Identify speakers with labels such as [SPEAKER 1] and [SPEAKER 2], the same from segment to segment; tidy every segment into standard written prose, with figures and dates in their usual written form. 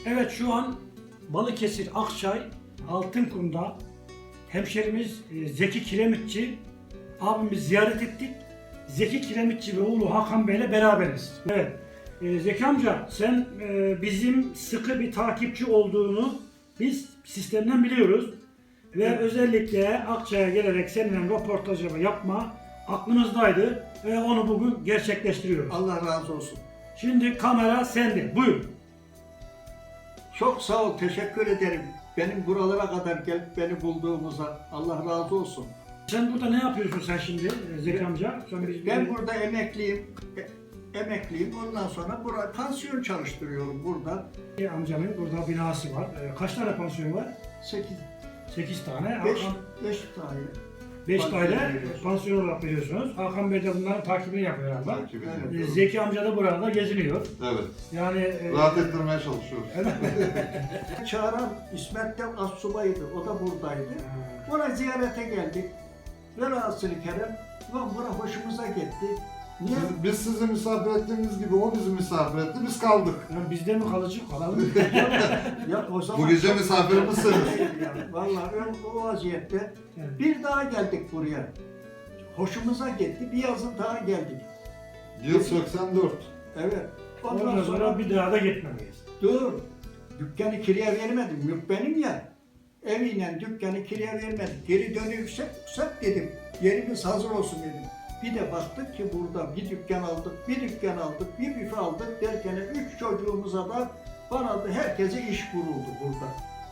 [SPEAKER 1] Evet, şu an Balıkesir Akçay Altınkum'da hemşerimiz Zeki Kiremitçi abimizi ziyaret ettik. Zeki Kiremitçi ve oğlu Hakan Bey'le beraberiz. Evet, Zeki amca sen bizim sıkı bir takipçi olduğunu biz sistemden biliyoruz. Ve
[SPEAKER 2] Evet.
[SPEAKER 1] Özellikle Akçay'a gelerek seninle röportajımı yapma aklımızdaydı ve onu bugün gerçekleştiriyoruz.
[SPEAKER 2] Allah razı olsun.
[SPEAKER 1] Şimdi kamera sende, buyur.
[SPEAKER 2] Çok sağ ol, teşekkür ederim. Benim buralara kadar gelip beni bulduğumuza Allah razı olsun.
[SPEAKER 1] Sen burada ne yapıyorsun sen şimdi Zeki amca?
[SPEAKER 2] Ben burada emekliyim. Emekliyim. Ondan sonra pansiyon çalıştırıyorum burada.
[SPEAKER 1] Amcanın burada binası var. Kaç tane pansiyon var? 8 tane.
[SPEAKER 2] 5 tane.
[SPEAKER 1] 5
[SPEAKER 2] pansiyon
[SPEAKER 1] tane
[SPEAKER 2] veriyoruz.
[SPEAKER 1] pansiyon olarak veriyorsunuz. Hakan Bey de bunların takibini yapıyor herhalde.
[SPEAKER 3] Takip ediyorum.
[SPEAKER 1] Zeki amca da burada geziniyor.
[SPEAKER 3] Evet.
[SPEAKER 1] Yani
[SPEAKER 3] Rahat ettirmeye çalışıyoruz.
[SPEAKER 2] Çağıran İsmet de astsubaydı. O da buradaydı. Ona ziyarete geldik. Velhasılı Kerem, ulan bura hoşumuza gitti. Niye?
[SPEAKER 3] Biz sizi misafir ettiğimiz gibi o bizi misafir etti, biz kaldık.
[SPEAKER 1] yani bizde mi kalıcı kalalım?
[SPEAKER 2] Ya o zaman
[SPEAKER 3] Bu gece
[SPEAKER 2] çok-
[SPEAKER 3] misafirimizsiniz.
[SPEAKER 2] Yani vallahi o vaziyette
[SPEAKER 1] Evet.
[SPEAKER 2] bir daha geldik buraya. Hoşumuza gitti. Bir yazın daha geldik.
[SPEAKER 3] Yıl 84.
[SPEAKER 2] Evet.
[SPEAKER 1] Ondan sonra bir daha da gitmemeyiz.
[SPEAKER 2] dur. Dükkanı kiraya vermedim. Mülk benim ya. Eviyle dükkanı kiraya vermedik. Geri dönüyorsak dedim. Yerimiz hazır olsun dedim. Bir de baktık ki burada bir dükkan aldık, bir dükkan aldık, bir büfe aldık derken 3 çocuğumuza da bana da herkese iş kuruldu burada.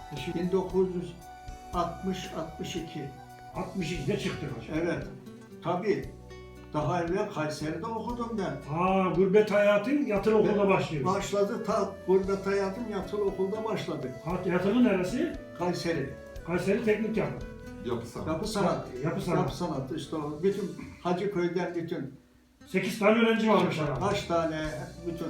[SPEAKER 2] 1960-62.
[SPEAKER 1] 62'de çıktık hocam.
[SPEAKER 2] Evet. Tabii. Daha evvel Kayseri'de okudum ben.
[SPEAKER 1] Gurbet hayatın yatılı okulda başlıyor.
[SPEAKER 2] Başladı, gurbet hayatım yatılı okulda başladı.
[SPEAKER 1] Yatılı neresi?
[SPEAKER 2] Kayseri.
[SPEAKER 1] Kayseri Teknik Yapı.
[SPEAKER 3] Yapı sanatı.
[SPEAKER 2] Yapı sanatı.
[SPEAKER 1] Yapı sanatı.
[SPEAKER 2] Yapı sanatı işte o. Bütün Hacıköy'den bütün
[SPEAKER 1] 8 tane öğrenci varmış herhalde.
[SPEAKER 2] kaç tane bütün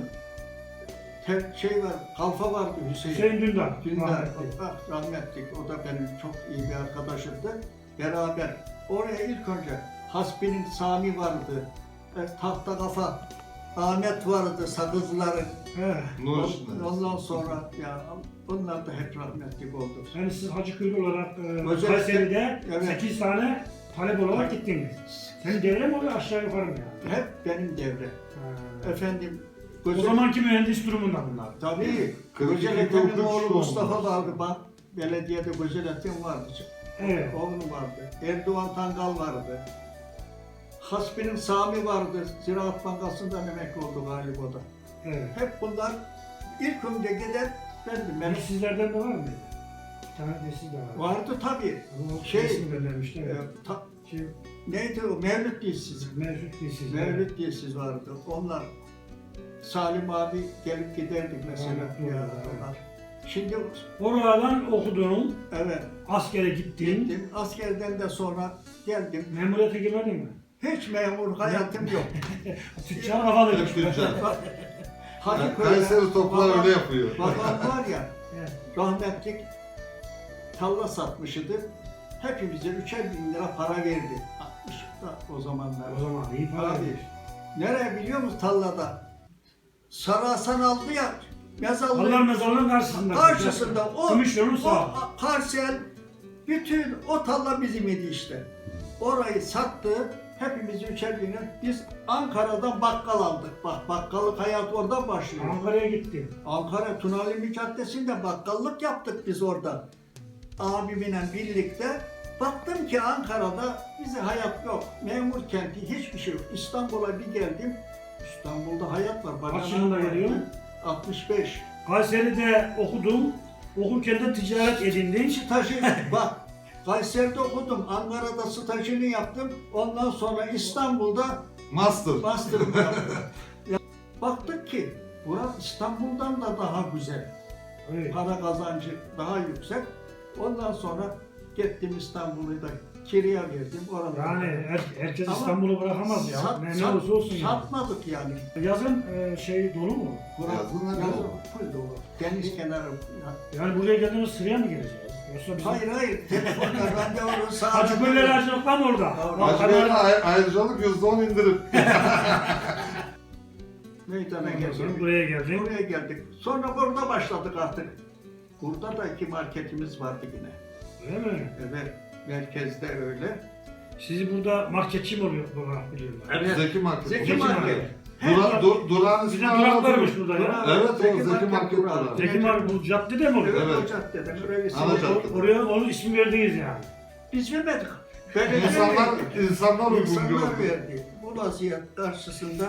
[SPEAKER 2] şey var, kalfa vardı Hüseyin.
[SPEAKER 1] Hüseyin Dündar.
[SPEAKER 2] Dündar,
[SPEAKER 1] rahmetli.
[SPEAKER 2] rahmetlik. O da benim çok iyi bir arkadaşımdı. Beraber oraya ilk önce Hasbi'nin Sami vardı. Tahta Kafa Ahmet vardı, Sakızlıların.
[SPEAKER 1] He.
[SPEAKER 3] Nur içinde.
[SPEAKER 2] Ondan sonra ya onlar da hep rahmetlik oldu.
[SPEAKER 1] Yani siz Hacıköylü olarak
[SPEAKER 2] Özellikle-
[SPEAKER 1] Kayseri'de
[SPEAKER 2] Evet.
[SPEAKER 1] 8 tane talep olarak gittiniz. Senin devre mi oluyor aşağı yukarı mı yani?
[SPEAKER 2] Hep benim devre.
[SPEAKER 1] Ha.
[SPEAKER 2] Efendim,
[SPEAKER 1] O zamanki mühendis durumunda bunlar.
[SPEAKER 2] tabii.
[SPEAKER 3] 42
[SPEAKER 2] Gözelet'in
[SPEAKER 3] doğum,
[SPEAKER 2] oğlu
[SPEAKER 3] 43
[SPEAKER 2] Mustafa
[SPEAKER 3] doğum.
[SPEAKER 2] vardı. Bak, belediyede Gözelet'in vardı.
[SPEAKER 1] Evet.
[SPEAKER 2] Oğlu vardı. Erdoğan Tangal vardı. Hasbi'nin Sami vardı. Ziraat Bankası'ndan emekli oldu galiba o da.
[SPEAKER 1] Evet.
[SPEAKER 2] Hep bunlar ilk önce giden bendim. Benim
[SPEAKER 1] Sizlerden de var mıydı? Bir tane de siz de var.
[SPEAKER 2] vardı tabii.
[SPEAKER 1] Ama
[SPEAKER 2] Şey,
[SPEAKER 1] resim göndermişti. Evet. Şey,
[SPEAKER 2] Neydi o? Mevlüt Dilsiz.
[SPEAKER 1] Mevcut değil siz.
[SPEAKER 2] Mevlüt Dilsiz vardı. Onlar Salim abi gelip giderdik mesela.
[SPEAKER 1] Evet,
[SPEAKER 2] Ya,
[SPEAKER 1] evet.
[SPEAKER 2] onlar. Şimdi
[SPEAKER 1] Oradan okudun,
[SPEAKER 2] evet
[SPEAKER 1] askere gittin.
[SPEAKER 2] gittim. Askerden de sonra geldim.
[SPEAKER 1] Memuriyete girmedin mi?
[SPEAKER 2] Hiç memur hayatım yok.
[SPEAKER 1] Tüccar kafalı.
[SPEAKER 3] Hep tüccar.
[SPEAKER 2] Hacıköy'de
[SPEAKER 3] Kayseri toplar
[SPEAKER 2] babam-
[SPEAKER 3] öyle yapıyor.
[SPEAKER 2] Babam var ya,
[SPEAKER 1] Evet.
[SPEAKER 2] rahmetlik tarla satmışydı. Hepimize 3'er bin lira para verdi. 60'da o zamanlar.
[SPEAKER 1] O zaman iyi para
[SPEAKER 2] Abi,
[SPEAKER 1] vermiş.
[SPEAKER 2] nereye biliyor musun tarlada? Sarı Hasan aldı ya,
[SPEAKER 1] Allah
[SPEAKER 2] mezarlığı
[SPEAKER 1] mezarlığın karşısında.
[SPEAKER 2] karşısında o
[SPEAKER 1] Gümüşyolun sağ.
[SPEAKER 2] parsel, bütün o tarla bizim idi işte. Orayı sattı, hepimiz 3'er bin lira. Biz Ankara'dan bakkal aldık. Bak, bakkallık hayat oradan başlıyor.
[SPEAKER 1] Ankara'ya gittim.
[SPEAKER 2] Ankara Tunalimi Caddesi'nde bakkallık yaptık biz orada. Abimle birlikte. Baktım ki Ankara'da bize hayat yok. Memur kenti hiçbir şey yok. İstanbul'a bir geldim. İstanbul'da hayat var.
[SPEAKER 1] Kaç yılında geliyorsun?
[SPEAKER 2] 65.
[SPEAKER 1] Kayseri'de okudum. Okurken de ticaret edindin.
[SPEAKER 2] Stajı bak. Kayseri'de okudum. Ankara'da stajını yaptım. Ondan sonra İstanbul'da
[SPEAKER 3] Master.
[SPEAKER 2] master'ımı yaptım. Baktık ki burası İstanbul'dan da daha güzel.
[SPEAKER 1] Evet.
[SPEAKER 2] Para kazancı daha yüksek. Ondan sonra gittim İstanbul'u da kiraya verdim. Orada
[SPEAKER 1] Yani herkes
[SPEAKER 2] Ama
[SPEAKER 1] İstanbul'u bırakamaz ya. Ne olursa olsun ya.
[SPEAKER 2] satmadık yani.
[SPEAKER 1] Yazın şey dolu mu?
[SPEAKER 3] Yazın ne dolu?
[SPEAKER 2] Full dolu. Deniz kenarı.
[SPEAKER 1] Yani buraya geldiğimiz sıraya mı gireceğiz? Yoksa bizim...
[SPEAKER 2] Hayır, telefonla randevu sağladım.
[SPEAKER 1] Hacıköylüler açılık var mı orada?
[SPEAKER 2] Doğru.
[SPEAKER 1] Bak,
[SPEAKER 3] Hacıköy'de ayrıcalık %10 indirim.
[SPEAKER 2] Meydana
[SPEAKER 1] Ondan
[SPEAKER 2] geldik.
[SPEAKER 1] sonra buraya geldin.
[SPEAKER 2] Buraya geldik. Sonra burada başladık artık. Burada da 2 marketimiz vardı yine.
[SPEAKER 1] Öyle mi?
[SPEAKER 2] Evet, merkezde öyle.
[SPEAKER 1] Sizi burada marketçi mi oluyor baba biliyorlar?
[SPEAKER 2] Evet.
[SPEAKER 3] Zeki Market.
[SPEAKER 2] Zeki Market.
[SPEAKER 3] Durağın
[SPEAKER 1] Bizim
[SPEAKER 3] ismi
[SPEAKER 1] duraklarmış
[SPEAKER 3] Anadolu.
[SPEAKER 1] burada ya.
[SPEAKER 3] Evet, o
[SPEAKER 2] Zeki
[SPEAKER 3] Zeki
[SPEAKER 2] Market
[SPEAKER 3] Market
[SPEAKER 2] durağı.
[SPEAKER 3] durağı.
[SPEAKER 1] Zeki Market bu caddede mi oluyor?
[SPEAKER 2] Evet,
[SPEAKER 3] Evet.
[SPEAKER 2] o caddeden oraya
[SPEAKER 3] Ana cadde.
[SPEAKER 1] Oraya onun ismi verdiniz yani.
[SPEAKER 2] Biz vermedik. Belediye
[SPEAKER 3] İnsanlar,
[SPEAKER 2] verdi.
[SPEAKER 3] insanlar uygun
[SPEAKER 2] İnsanlar
[SPEAKER 3] gördü.
[SPEAKER 2] verdi. Bu vaziyet karşısında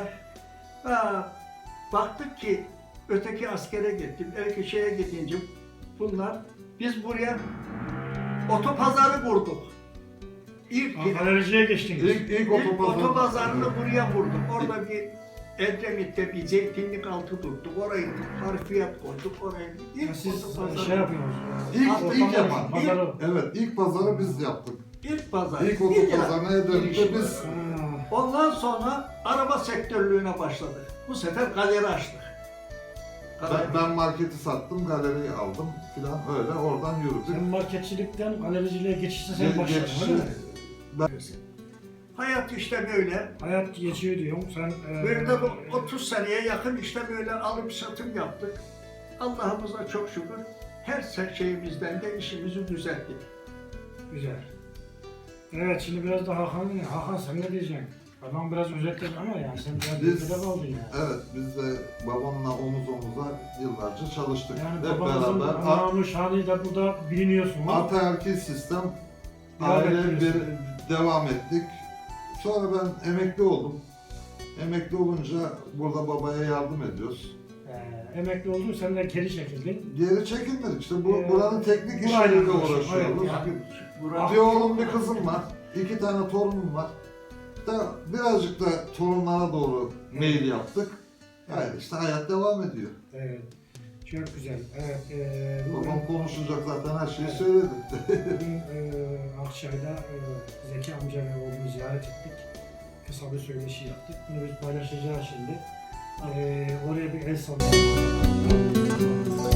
[SPEAKER 2] baktık ki öteki askere gittim, öteki şeye gidince bunlar, biz buraya otopazarı kurduk. İlk
[SPEAKER 1] Galericiye geçtiniz.
[SPEAKER 3] İlk
[SPEAKER 2] otopazarını buraya kurduk. Orada bir Edremit'te bir zeytinlik altı tuttuk. Orayı harfiyat koyduk. Oraya ilk
[SPEAKER 1] Siz
[SPEAKER 2] otopazarı.
[SPEAKER 1] şey yapıyorsunuz.
[SPEAKER 3] İlk yapan.
[SPEAKER 1] Pazarı.
[SPEAKER 3] Evet, ilk pazarı biz yaptık.
[SPEAKER 2] İlk pazar.
[SPEAKER 3] İlk otopazarına Edremit'te biz
[SPEAKER 1] Ha,
[SPEAKER 2] Ondan sonra araba sektörlüğüne başladık. Bu sefer galeri açtık.
[SPEAKER 3] ben marketi sattım, galeriyi aldım filan öyle oradan
[SPEAKER 1] Sen
[SPEAKER 3] yürüdük.
[SPEAKER 1] marketçilikten galericiliğe geçişte sen
[SPEAKER 3] Ge-
[SPEAKER 1] başladın
[SPEAKER 3] geçişi-
[SPEAKER 1] öyle mi?
[SPEAKER 3] Ben,
[SPEAKER 2] Hayat işte böyle.
[SPEAKER 1] Hayat geçiyor diyorum. Sen
[SPEAKER 2] Böyle de 30 seneye yakın işte böyle alım satım yaptık. Allah'ımıza çok şükür her şeyimizden de işimizi düzelttik.
[SPEAKER 1] Güzel. Evet şimdi biraz da Hakan sen ne diyeceksin? Adam biraz özetledi ama yani sen biraz
[SPEAKER 3] Biz-
[SPEAKER 1] ülkede kaldın yani.
[SPEAKER 3] evet, biz de babamla omuz omuza yıllarca çalıştık.
[SPEAKER 1] Yani
[SPEAKER 3] Hep
[SPEAKER 1] babanızın
[SPEAKER 3] beraber.
[SPEAKER 1] anamı şanı da burada biliniyorsunuz.
[SPEAKER 3] Ataerkil sistem,
[SPEAKER 1] Devam
[SPEAKER 3] aile
[SPEAKER 1] ettiniz.
[SPEAKER 3] devam ettik. Sonra ben emekli oldum. Emekli olunca burada babaya yardım ediyoruz.
[SPEAKER 1] Emekli oldun sen de geri çekildin.
[SPEAKER 3] Geri çekilmedik işte bu
[SPEAKER 1] Ee,
[SPEAKER 3] buranın teknik
[SPEAKER 1] burayla
[SPEAKER 3] işleriyle
[SPEAKER 1] uğraşıyoruz.
[SPEAKER 3] uğraşıyoruz.
[SPEAKER 1] Evet,
[SPEAKER 2] Yani burada
[SPEAKER 3] Bir oğlum bir kızım var. 2 tane torunum var. Da birazcık da torunlara doğru mail yaptık. Yani işte hayat devam ediyor.
[SPEAKER 1] Evet. Çok güzel. Evet. Bugün,
[SPEAKER 3] Babam konuşacak zaten her şeyi
[SPEAKER 1] Evet.
[SPEAKER 3] söyledi.
[SPEAKER 1] bugün Akçay'da Zeki amca ve oğlumu ziyaret ettik. Kısa bir söyleşi yaptık. Bunu biz paylaşacağız şimdi. Oraya bir el sallayalım.